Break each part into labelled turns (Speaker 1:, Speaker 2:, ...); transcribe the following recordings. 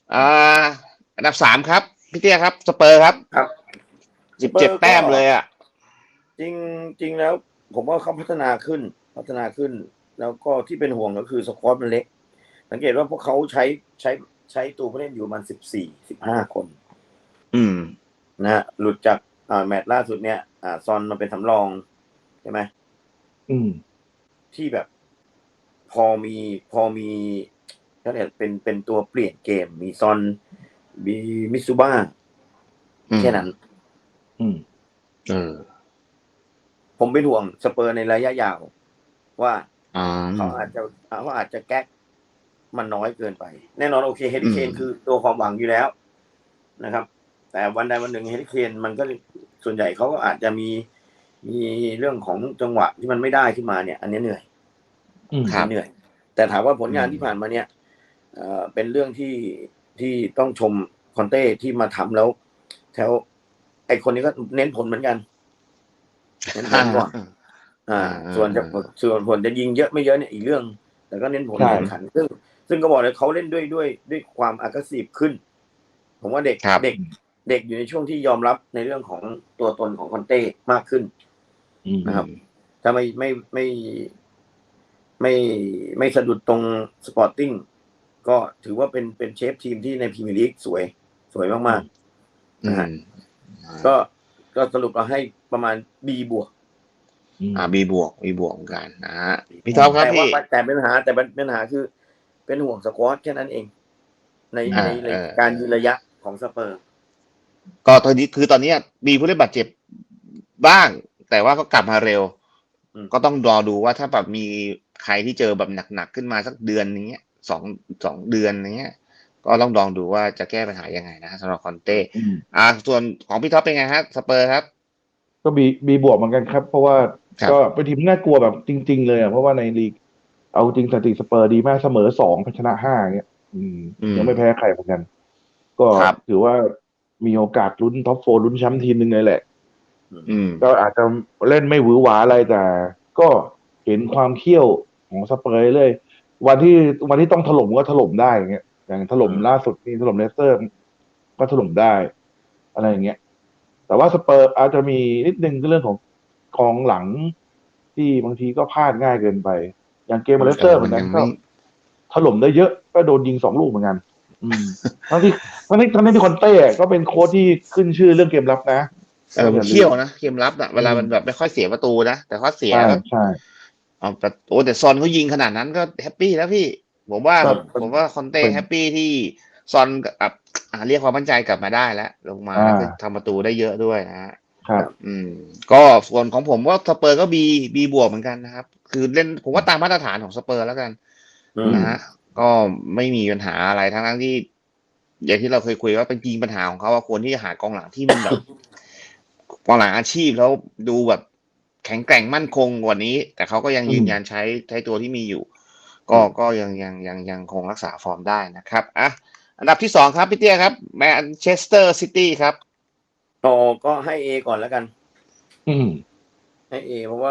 Speaker 1: อ่าอันดับ3ครับพี่เตี้ยครับสเปอร์ครับ
Speaker 2: ครับสเปอ
Speaker 1: 17
Speaker 2: ร์
Speaker 1: แต้
Speaker 2: ก็
Speaker 1: มเลยอ่ะ
Speaker 2: จริงจริงแล้ว ผมว่าเขาพัฒนาขึ้น แล้วก็ที่เป็นห่วงก็คือสควอตมันเล็กสังเกตว่าพวกเขาใช้ตัวผู้เล่นอยู่ประมาณ14-15 คน
Speaker 1: อืม
Speaker 2: นะฮะหลุดจากแมตช์ล่าสุดเนี่ยซอนมาเป็นสำรองใช่ไหมที่แบบพอมีเขาเรียกเป็นตัวเปลี่ยนเกมมีซอนมีมิซูบ้าแค่นั้น
Speaker 1: เออ
Speaker 2: ผมเป็นห่วงสเปอร์ในระยะยาวว่า
Speaker 1: อ๋อ
Speaker 2: เขาอาจจะแก๊กมันน้อยเกินไป แน่นอนโอเคเฮดิเคน
Speaker 1: อืม
Speaker 2: คือตัวความหวังอยู่แล้วนะครับ แต่วันใดวันหนึ่งเฮดิเคนมันก็ส่วนใหญ่เขาก็อาจจะมีเรื่องของจังหวะที่มันไม่ได้ขึ้นมาเนี่ย อันนี้เหนื่อยเหนื่อย แต่ถามว่าผลงานที่ผ่านมาเนี่ยเป็นเรื่องที่ต้องชมคอนเต้ที่มาทำแล้วแถวไอคนนี้ก็เน้นผลเหมือนกันเน้นผลก่อนส่วนผลจะยิงเยอะไม่เยอะเนี่ยอีกเรื่องแต่ก็เน้นผลแข่งขันซึ่งก็บอกเลยเขาเล่นด้วยความagressiveขึ้นผมว่าเด็กอยู่ในช่วงที่ยอมรับในเรื่องของตัวตนของคอนเต้มากขึ้นนะครับถ้าไม่สะดุดตรงสปอร์ติ้งก็ถือว่าเป็นเชฟทีมที่ในพรีเมียร์ลีกสวยมากๆนะฮะก็สรุปเราให้ประมาณ B บวก
Speaker 1: บีบวกเหมือนกันนะฮะพี่ท็อปครับพี่
Speaker 2: แต่เป็นปัญหาคือเป็นห่วงสควอตแค่นั้นเองในการยืนระยะของสเปอร์
Speaker 1: ก็ตอนนี้คือตอนนี้มีผู้เล่นบาดเจ็บบ้าง แต่ว่าก็กลับมาเร็ว ก็ต้องรอดูว่าถ้าแบบมีใครที่เจอแบบหนักๆขึ้นมาสักเดือนนี้สองเดือนนี้ยก็ต้องลองดูว่าจะแก้ปัญหายังไงนะสำหรับคอนเต้ส่วนของพี่ท็อปเป็นไงฮะสเปอร์ครับ
Speaker 3: ก็บีบวกเหมือนกันครับเพราะว่าก็เป็นทีมน่ากลัวแบบจริงๆเลยอ่ะเพราะว่าในลีกเอาจริงสถิติสเปอร์ดีมากเสมอ2ชนะ5เงี้ยยังไม่แพ้ใครเหมือนกันก็ถือว่ามีโอกาสลุ้นท็อป4ลุ้นแชมป์ทีมหนึ่งเลยแหละก็อาจจะเล่นไม่หวือหวาอะไรแต่ก็เห็นความเขี้ยวของสเปอร์เลยวันที่ต้องถล่มก็ถล่มได้อย่างเงี้ยอย่างถล่มล่าสุดนี่ถล่มเลสเตอร์ก็ถล่มได้อะไรอย่างเงี้ยแต่ว่าสเปอร์อาจจะมีนิดนึงก็เรื่องของกองหลังที่บางทีก็พลาดง่ายเกินไปอย่างเกมเลสเตอร์เหมือนกันก็ถล่มได้เยอะก็โดนยิง2 ลูกเหมือนกันทั้งที่คอนเต้ก็เป็นโค้ชที่ขึ้นชื่อเรื่องเกมรับนะ
Speaker 1: มันเขี้ยวนะเกมรับเวลามันแบบไม่ค่อยเสียประตูนะแต่ข้อเสียก็
Speaker 3: ใช่
Speaker 1: แต่ซอนเขายิงขนาดนั้นก็แฮปปี้แล้วพี่ผมว่าคอนเต้แฮปปี้ที่ซอนกับเรียกความมั่นใจกลับมาได้แล้วลงมาแล้วก็ทำประตูได้เยอะด้วยนะฮะก็ส่วนของผมว่าสเปอร์ก็บีบวกเหมือนกันนะครับคือเล่นผมว่าตามมาตรฐานของสเปอร์แล้วกันนะฮะก็ไม่มีปัญหาอะไรทั้งที่อย่างที่เราเคยคุยว่าเป็นจริงปัญหาของเขาว่าควรที่จะหากองหลังที่มันแบบกองหลังอาชีพแล้วดูแบบแข็งแกร่งมั่นคงกว่านี้แต่เขาก็ยังยืนยันใช้ตัวที่มีอยู่ก็ยังคงรักษาฟอร์มได้นะครับอันดับที่2ครับพี่เตี้ยครับแมนเชสเตอร์ซิตี้ครับ
Speaker 2: ก็ให้ A ก่อนแล้วกันให้ A เพราะว่า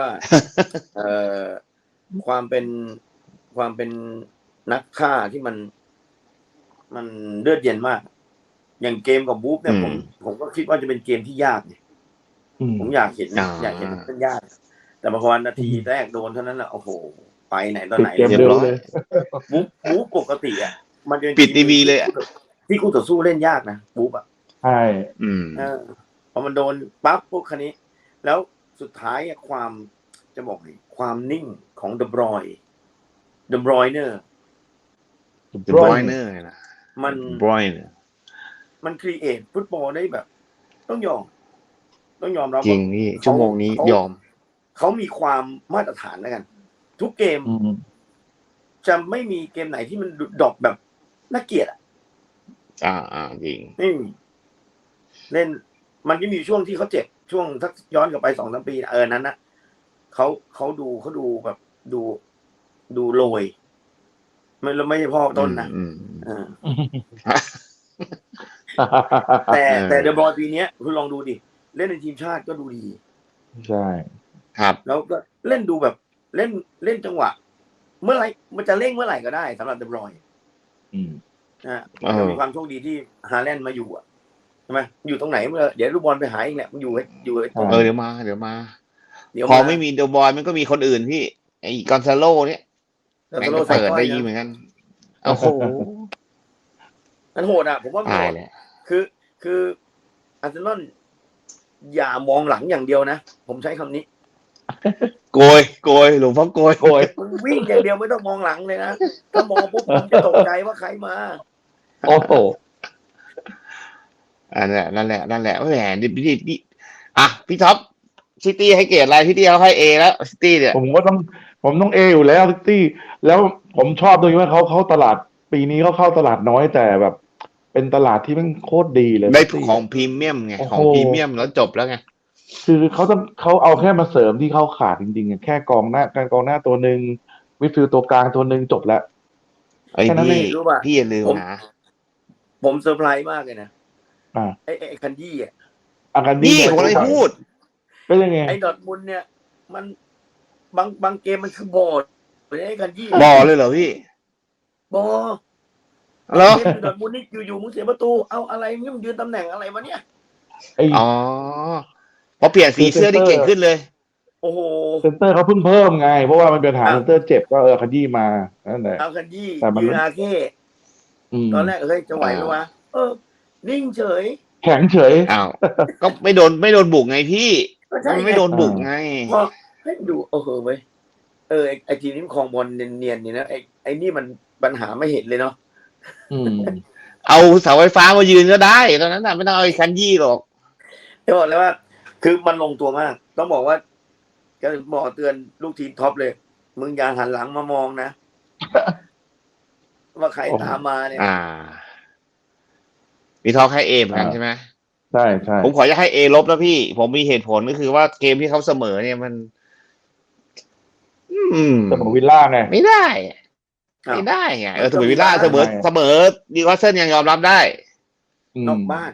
Speaker 2: ความเป็นนักฆ่าที่มันเลือดเย็นมากอย่างเกมกับบู๊เนี่ยผมก็คิดว่าจะเป็นเกมที่ยากเนี่ยผมอยากเห็นเป็นยากแต่พอนาทีแรกโดนเท่านั้นแหละโอ้โหไปไหนตอนไหน
Speaker 3: เรียบร้อย
Speaker 2: บู๊ปกติอ่ะมันจะ
Speaker 1: ปิดทีวีเลย
Speaker 2: ที่คู่ต่อสู้เล่นยากนะบู๊อ่ะ
Speaker 3: ใช่
Speaker 2: พอมันโดนปั๊บพวกคันนี้แล้วสุดท้ายความจะบอกความนิ่งของเดบรอยเนอร์
Speaker 1: นะ
Speaker 2: มันครีเอทฟุตบอลได้แบบต้องยอมรับ
Speaker 1: จริงนี่ชั่วโมงนี้ยอม
Speaker 2: เขามีความมาตรฐานแล้วกันทุกเกมจะไม่มีเกมไหนที่มันดรอปแบบน่าเกลียด
Speaker 1: จริง
Speaker 2: เล่นมันจะมีช่วงที่เขาเจ็บช่วงสักย้อนกลับไป2-3 ปีนั้นนะเขาดูแบบดูโรยไม่ใช่พ่อต้นนะแต่เดอะบอยปีนี้คุณลองดูดิเล่นในทีมชาติก็ดูดี
Speaker 3: ใช่
Speaker 1: ครับ
Speaker 2: แล้วก็เล่นดูแบบเล่นจังหวะเมื่อไหร่มันจะเร่งเมื่อไหร่ก็ได้สำหรับเดอะบอยมันก็มีความโชคดีที่ฮาแลนด์มาอยู่ใช่ไหมอยู่ตรงไหนเดี๋ยวลูกบอลไปหาเองแหละมันอยู่ตรง
Speaker 1: เดี๋ยวมาพอไม่มีเดอะบอยมันก็มีคนอื่นพี่ไอ้กอนซาโลเนี่ยแม่งก็เปิดได้ยิงเหมือนกันโอ้โห
Speaker 2: มันโหดผมว่า
Speaker 1: ตายเลย
Speaker 2: คืออาร์เซนอลอย่ามองหลังอย่างเดียวนะผมใช้คำนี้
Speaker 1: โกยหลวงพ่อโกย
Speaker 2: วิ่งอย่างเดียวไม่ต้องมองหลังเลยนะถ้ามองปุ๊บผมจะตกใจว่าใครมา
Speaker 3: โอ้โห
Speaker 1: นั่นแหละแหมดิพี่ท็อปซิตี้ให้เกรดอะไรพี่ตี้เขาให้เอแล้วซิตี้เนี่ย
Speaker 3: ผมต้องเออยู่แล้วซิตี้แล้วผมชอบตรงที่ว่าเขาตลาดปีนี้เขาเข้าตลาดน้อยแต่แบบเป็นตลาดที่มันโคตรดีเลย
Speaker 1: ได้ของพรีเมียมไงของพรีเมียมแล้วจบแล้วไง
Speaker 3: คือเขาเอาแค่มาเสริมที่เขาขาดจริงๆแค่กองหน้าตัวหนึ่งมิดฟิลด์ตัวกลางตัวหนึ่งจบแล้ว
Speaker 1: ไอ้พี่อย่าลืมนะ
Speaker 2: ผมเซอร์ไพรส์มากเลยนะไอ้คันยี่
Speaker 1: นี่ผมเลยพูด
Speaker 3: เป็นยังไง
Speaker 2: ไอ้ดอร์ทมุนด์เนี่ยมันบางเกมมันคือบอลไอ้คันยี่
Speaker 1: บอลเลยเหรอพี่
Speaker 2: บอลแล้วดอร์ทมุนด์นี่อยู่มึงเสียประตูเอาอะไรมึงยืนตำแหน่งอะไรวะเนี่ย
Speaker 1: อ๋อพอเปลี่ยนสีเสื้อที่เก่งขึ้นเลย
Speaker 2: โอ้โห
Speaker 3: เซนเตอร์เขาเพิ่งเพิ่มไงเพราะว่ามันเป็นปัญหาเซนเตอร์เจ็บก็คันยี่มานั่นแหละ
Speaker 2: เอาคันยี่ยืนอาเก้ตอนแรกจะไหวไหมวะนิ่งเฉย
Speaker 3: แข็งเฉย
Speaker 1: อ้าวก็ไม่โดนบุกไงพี่มันไม่โดนบุกไง
Speaker 2: พอให้ดูเว้ยไอทีนี้คลองบอลเนียนๆนี่นะไอนี่มันปัญหาไม่เห็นเลยเนาะ
Speaker 1: เอาเสาไฟฟ้ามายืนก็ได้ตอนนั้นน่ะไม่ต้องเอาไอ้คันยี่หรอก
Speaker 2: จะบอกเลยว่าคือมันลงตัวมากต้องบอกว่าก็บอกเตือนลูกทีมท็อปเลยมึงอย่าหันหลังมามองนะว่าใครตามมาเนี่ย
Speaker 1: มีทอให้เอเหมือนกันใช่ไหม
Speaker 3: ใช่
Speaker 1: ผมขอจะให้เอลบแล้วพี่ผมมีเหตุผลก็คือว่าเกมที่เขาเสมอเนี่ยมัน
Speaker 3: เสมอวิลล่าไง
Speaker 1: ไม่ได้ไงเสมอวิลล่าเสมอดีวอสเซนยังยอมรับได้
Speaker 2: นอกบ้าน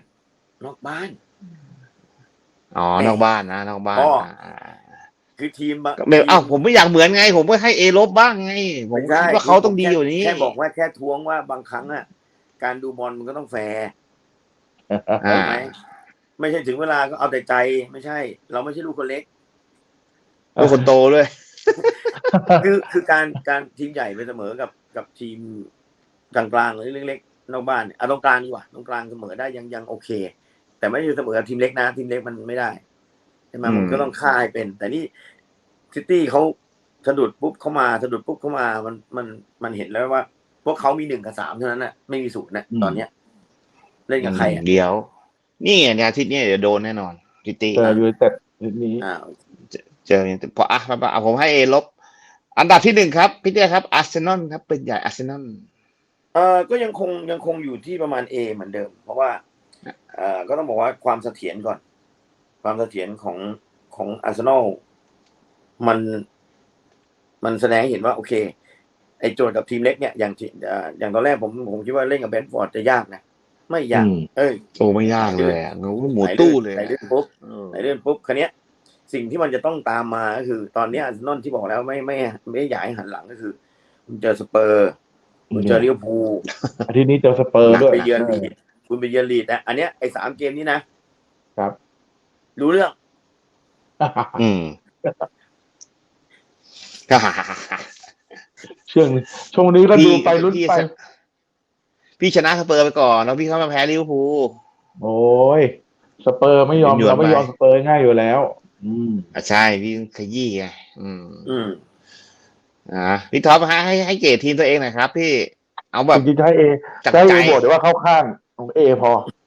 Speaker 1: อ๋อนอกบ้านนะนอกบ้าน
Speaker 2: คือทีม
Speaker 1: ผมไม่อยากเหมือนไงผมก็ให้เอลบบ้างไงผมคิดว่าเขาต้องดีอยู่นี้
Speaker 2: แค่บอกว่าแค่ท้วงว่าบางครั้งการดูบอลมันก็ต้องแฟร์ใช่ไหมไม่ใช่ถึงเวลาก็เอาแต่ใจไม่ใช่เราไม่ใช่ลูกคนเล็ก
Speaker 1: ลูกคนโตด้วย
Speaker 2: คือการทีมใหญ่ไปเสมอกับทีมกลางๆหรือเล็กๆนอกบ้านตรงกลางดีกว่าตรงกลางเสมอได้ยังโอเคแต่ไม่ใช่เสมอกับทีมเล็กนะทีมเล็กมันไม่ได้ใช่ไหมมันก็ต้องฆ่าให้เป็นแต่นี่ซิตี้เขาสะดุดปุ๊บเข้ามามันเห็นแล้วว่าพวกเขามี1 กับ 3เท่านั้นไม่มี0ตอนเนี้ยเล่นกับใคร
Speaker 1: เดี๋ยวนี่ไงอาทิตย์นี้เดี๋ยวโดนแน่นอนซิตี้
Speaker 3: ยูไนเต็ดนี้
Speaker 1: เจอพอผมให้เอลบอันดับที่1ครับพี่เตี้ยครับอาร์เซนอลครับเป็นใหญ่อาร์เซนอล
Speaker 2: ก็ยังคงอยู่ที่ประมาณ A เหมือนเดิมเพราะว่าก็ต้องบอกว่าความเสถียรก่อนความเสถียรของอาร์เซนอลมันแสดงให้เห็นว่าโอเคไอ้โจทย์กับทีมเล็กเนี่ยอย่างตอนแรกผมคิดว่าเล่นกับเบนฟอร์ดจะยากนะไม่ยาก
Speaker 1: ไม่ยากเลยหมูตู้เลย
Speaker 2: ไหนเล่นปุ๊บคันนี้สิ่งที่มันจะต้องตามมาก็คือตอนนี้อาร์เซนอลที่บอกแล้วไม่อยากให้หันหลังก็คือคุณเจอสเปอร์คุณเจอลิเวอร์พูล
Speaker 3: อาทิตย์นี้เจอสเปอร์ด้วย
Speaker 2: คุณไปเยือนลีดอันเนี้ยไอ้3 เกมนี้นะครับรู้เรื่อง
Speaker 3: ช่วงนี้ก็ดูไปลุ้นไป
Speaker 1: พี่ชนะสเปอร์ไปก่อนแล้วพี่เข้ามาแพ้ลิเวอร์พูล
Speaker 3: โอ้ยสเปอร์ไม่ยอมเราไม่ยอมสเปอร์ง่ายอยู่แล้ว
Speaker 1: ใช่พี่ขยี้ไงพี่ท็อปให้เกรดทีมตัวเองหน่อยครับพี่เอาแบบ
Speaker 3: จริงๆให้เอบอกแต่ว่าเข้าข้างของเอพอ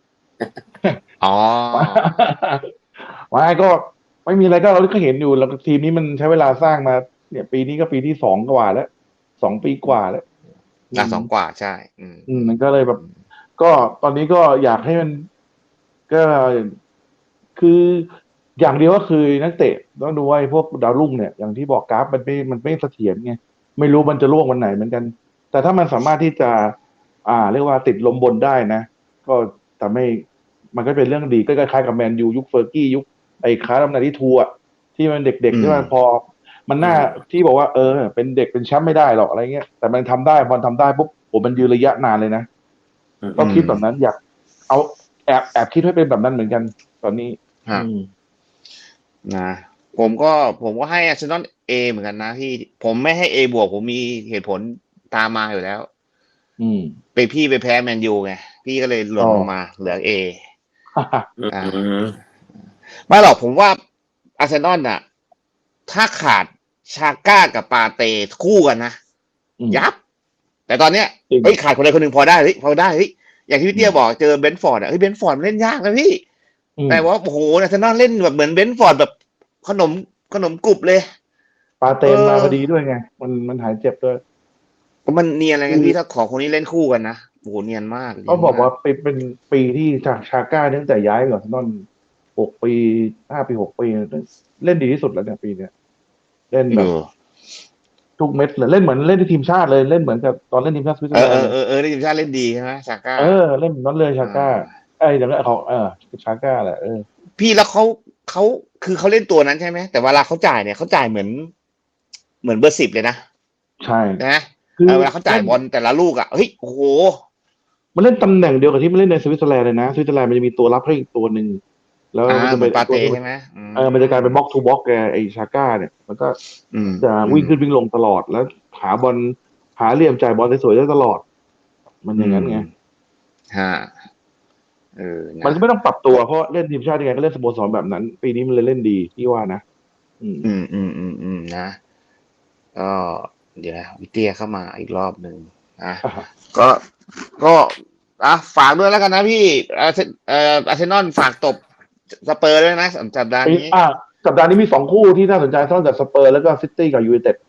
Speaker 3: ไม่ก็ไม่มีอะไรก็เราก็เห็นอยู่แล้วทีมนี้มันใช้เวลาสร้างมาเนี่ยปีนี้ก็ปีที่2 กว่าแล้ว2 ปีกว่าแล้ว
Speaker 1: 2 กว่าใช่
Speaker 3: มันก็เลยแบบก็ตอนนี้ก็อยากให้มันก็คืออย่างเดียวก็คือนักเตะต้องดูว่าพวกดาวรุ่งเนี่ยอย่างที่บอกกราฟมันไม่เสถียรไงไม่รู้มันจะล่วงวันไหนเหมือนกันแต่ถ้ามันสามารถที่จะเรียกว่าติดลมบนได้นะก็แต่ไม่มันก็เป็นเรื่องดีก็คล้ายๆกับแมนยูยุคเฟอร์กี้ยุคไอ้ค้าดำนาที่ทัวร์ที่มันเด็กๆที่มันพอมันน่าที่บอกว่าเป็นเด็กเป็นแชมป์ไม่ได้หรอกอะไรเงี้ยแต่มันทำได้พอทำได้ปุ๊บมันยืนระยะนานเลยนะก็คิดแบบนั้นอยากเอาแอบคิดให้เป็นแบบนั้นเหมือนกันตอนนี้
Speaker 1: นะผมก็ให้อาร์เซนอลเอเหมือนกันนะพี่ผมไม่ให้เอบวกผมมีเหตุผลตามมาอยู่แล้วพี่ไปแพ้แมนยูไงพี่ก็เลยหล่นลงมาเหลือเอไม่หรอกผมว่าอาร์เซนอลน่ะถ้าขาดชาก้ากับปาเต้คู่กันนะยับแต่ตอนเนี้ยขาดคนใดคนหนึ่งพอได้พอได้อย่างที่พี่เตี้ยบอกเจอเบนฟอร์ดเบนฟอร์ดเล่นยากนะพี่แต่ว่าโอ้โหอาร์เซนอลเล่นแบบเหมือนเบนฟอร์ดแบบขนมกรุบเลย
Speaker 3: ปาเต้มาพอดีด้วยไงมันหายเจ็บด้วย
Speaker 1: มันเนียนอะไรกันพี่ถ้าขอคนนี้เล่นคู่กันนะโอ้โหเนียนมาก
Speaker 3: ก็บอกว่าเป็นปีที่ชาก้าตั้งแต่ย้ายก่อนนอน6 ปี5 ปี 6 ปีเล่นดีที่สุดแล้วเนี่ยปีเนี้ยเล่นแบบทุกเม็ดเลยเล่นเหมือนเล่นที่ทีมชาติเลยเล่นเหมือนกับตอนเล่นทีมชาติสวิตเซอร์แลนด์
Speaker 1: เล่นทีมชาติเล่นดีใช่ไหมชาก้า
Speaker 3: เล่นนั้นเลยชาก้าอย่างนั้นของชาก้าแหละ
Speaker 1: พี่แล้วเขาคือเขาเล่นตัวนั้นใช่ไหมแต่เวลาเขาจ่ายเนี่ยเขาจ่ายเหมือนเบอร์ 10เลยนะ
Speaker 3: ใช่
Speaker 1: นะเวลาเขาจ่ายบอลแต่ละลูกเฮ้ยโอ้โห
Speaker 3: มันเล่นตำแหน่งเดียวกับที่มันเล่นในสวิตเซอร์แลนด์เลยนะสวิตเซอร์แลนด์มันจะมีตัวรับให้อีกตัวหนึ่งแล้วมันจะ
Speaker 1: เป็นปาเต้ใช่ไหม
Speaker 3: มันจะกลายเป็นบล็อกทูบล็อกไอชาก้าเนี่ยมันก็จะวิ่งขึ้นวิ่งลงตลอดแล้วหาบอลหาเหลี่ยมจ่ายบอลสวยๆได้ตลอดมันอย่างนั้นไงมันไม่ต้องปรับตัวเพราะเล่นทีมชาติยังไงก็เล่นสโมสรแบบนั้นปีนี้มันเลยเล่นดีพี่ว่านะ
Speaker 1: นะก็เดี๋ยววิเตียเข้ามาอีกรอบหนึ่งก็ฝากด้วยแล้วกันนะพี่อาร์เซนอลฝากตบสเปอร์ด้วยนะสัปดาห์นี้
Speaker 3: สัปดาห์นี้มี2 คู่ที่น่าสนใจทั้งจากสเปอร์แล้วก็ซิตี้กับยูไนเต็ด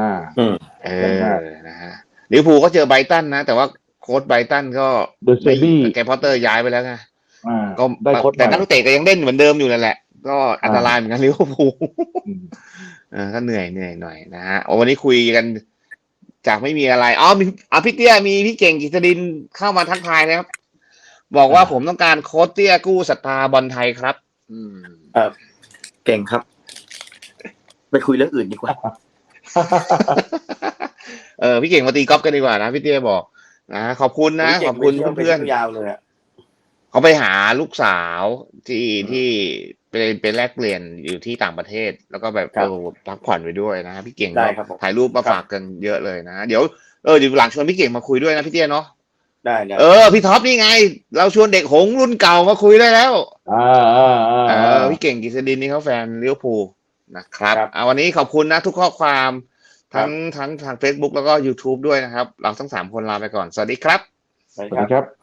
Speaker 1: นะฮะลิเวอร์พูลก็เจอไบรตันนะแต่ว่าโค้ชไบรตันก็แกพอตเตอร์ย้ายไปแล้วไงก็แต่นักเตะก็ยังเล่นเหมือนเดิมอยู่นั่นแหละก็อันตรายเหมือนกันลิเวอร์พูลก็เหนื่อยหน่อยนะฮะวันนี้คุยกันจากไม่มีอะไรมีพี่เตี้ยมีพี่เก่งกิษดินเข้ามาทักทายนะครับบอกว่าผมต้องการโค้ชเตี้ยกู้ศรัทธาบอลไทยครับ
Speaker 2: เก่งครับไปคุยเรื่องอื่นดีกว่า
Speaker 1: พี่เก่งมาตีกอล์ฟกันดีกว่านะพี่เตี้ยบอกนะขอบคุณนะขอบคุณเพื่อน
Speaker 2: ยาวเลย
Speaker 1: เขาไปหาลูกสาวที่ไปแลกเปลี่ยนอยู่ที่ต่างประเทศแล้วก็แบบพักผ่อนไปด้วยนะพี่เก่งถ่ายรูปมาฝากกันเยอะเลยนะเดี๋ยวหลังชวนพี่เก่งมาคุยด้วยนะพี่เตี้ยเนาะ
Speaker 2: ได้
Speaker 1: พี่ท็อปนี่ไงเราชวนเด็กหงรุ่นเก่ามาคุยได้แล้วพี่เก่งกิษดินนี่เขาแฟนลิเวอร์พูลนะครับวันนี้ขอบคุณนะทุกข้อความทั้งทาง Facebook แล้วก็ YouTube ด้วยนะครับเราทั้ง3 คนลาไปก่อนสวัสดีครับ
Speaker 3: สวัสดีครับ